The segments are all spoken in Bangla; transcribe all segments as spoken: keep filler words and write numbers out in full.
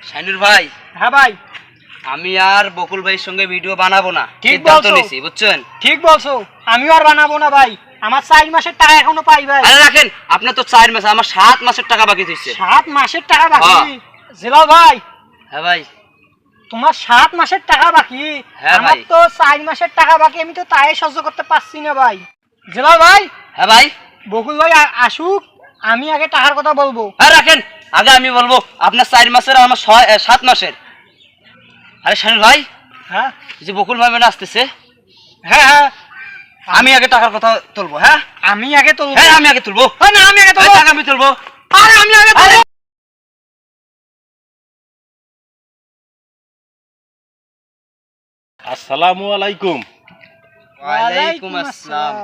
শাইনুর ভাই। হ্যাঁ ভাই, আমি আর বকুল ভাইয়ের সঙ্গে ভিডিও বানাবো না, ঠিক বলছো, বুঝছেন? ঠিক বলছো, আমিও আর বানাবো না ভাই। আমার চার মাসের টাকা এখনো পাই ভাই। আরে রাখেন, আপনার তো চার মাস, আমার সাত মাসের টাকা বাকি দিচ্ছে। সাত মাসের টাকা বাকি? জেলাল ভাই। হ্যাঁ ভাই। তোমার সাত মাসের টাকা বাকি, আমার তো চার মাসের টাকা বাকি, আমি তো তাই সহ্য করতে পারছি না ভাই। জেলাল ভাই। হ্যাঁ ভাই। বকুল ভাই আসুক, আমি আগে টাকার কথা বলবো। হ্যাঁ রাখেন, আগে আমি বলবো। আপনার চার মাসের, আমার ছয় সাত মাসের। আরে শাইনুর ভাই। হ্যাঁ, যে বকুল ভাই মানে আসতেছে। হ্যাঁ হ্যাঁ, আমি আগে টাকার কথা তুলবো। হ্যাঁ আমি আগে তুলবো। হ্যাঁ আমি আগে তুলবো। না আমি আগে তুলবো। টাকা আমি তুলবো। আরে আমি আগে তুলবো। আসসালামু আলাইকুম। ওয়ালাইকুম আসসালাম।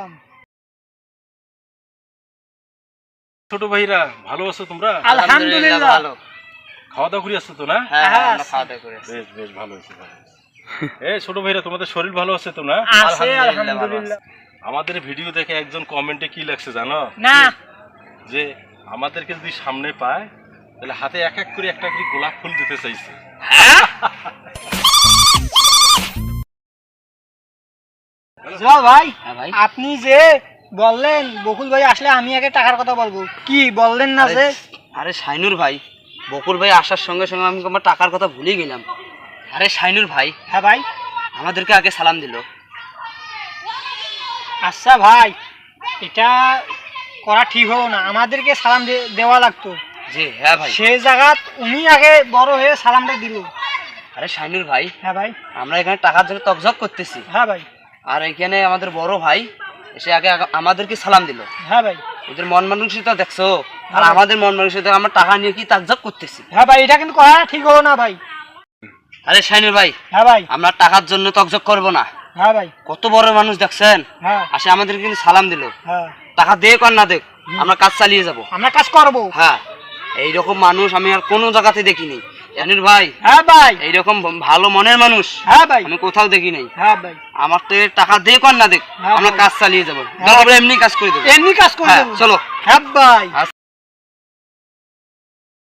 ছোট ভাইরা, ভালো আছো তোমরা? আলহামদুলিল্লাহ ভালো। খাওয়া দাওয়া করে আসছো তো না? হ্যাঁ হ্যাঁ, খাওয়া দাওয়া করে আসছি। বেশ বেশ, ভালো হয়েছে, ভালো হয়েছে। এই ছোট ভাইরা, তোমাদের শরীর ভালো আছে তো না? আছে আলহামদুলিল্লাহ। আমাদের ভিডিও দেখে একজন কমেন্টে কি লেখছে জানো? না। যে আমাদেরকে যদি সামনে পায় তাহলে হাতে এক এক করে একটা করে গোলাপ ফুল দিতে চাইছে। হ্যাঁ জেলাল ভাই। হ্যাঁ ভাই। আপনি যে বললেন বকুল ভাই আসলে আমি আগে টাকার কথা বলবো, কি বললেন না যে? আরে শাইনুর ভাই, বকুল ভাই আসার সঙ্গে সঙ্গে আমি আমার টাকার কথা ভুলে গেলাম। আরে শাইনুর ভাই। হ্যাঁ ভাই। আমাদেরকে আগে সালাম দিল। আচ্ছা ভাই, এটা করা ঠিক হলো না, আমাদেরকে সালাম দেওয়া লাগতো। জি হ্যাঁ ভাই। সেই জায়গা উনি আগে বড় হয়ে সালামটা দিল। আরে শাইনুর ভাই। হ্যাঁ ভাই। আমরা এখানে টাকার জন্য তকঝক করতেছি। হ্যাঁ ভাই। আর এখানে আমাদের বড় ভাই এসে আগে আমাদেরকে সালাম দিল। হ্যাঁ ভাই। ওদের মন মানসিকতা দেখছো, আর আমাদের মন মানসিকতা আমরা টাকা নিয়ে কি তাকঝক করতেছি। হ্যাঁ ভাই, এটা কিন্তু করা ঠিক হলো না ভাই। আরে শাইনুর ভাই। হ্যাঁ ভাই। আমরা টাকার জন্য তকঝক করব না। হ্যাঁ ভাই। কত বড় মানুষ দেখছেন। হ্যাঁ। আসে আমাদেরকে কিন্তু সালাম দিল। হ্যাঁ। টাকা দেখ আর না দেখ, আমরা কাজ চালিয়ে যাব। আমরা কাজ করব। হ্যাঁ, এইরকম মানুষ আমি আর কোনো জায়গাতে দেখি নাই শাইনুর ভাই। হ্যাঁ ভাই। এইরকম ভালো মনের মানুষ হ্যাঁ ভাই আমি কোথাও দেখি নাই। হ্যাঁ ভাই। আমার তো টাকা দেখ আর না দেখ, আমরা কাজ চালিয়ে যাবো, দরকার এমনি কাজ করে দেবো। এমনি কাজ করে দেবো। চলো। হ্যাঁ ভাই।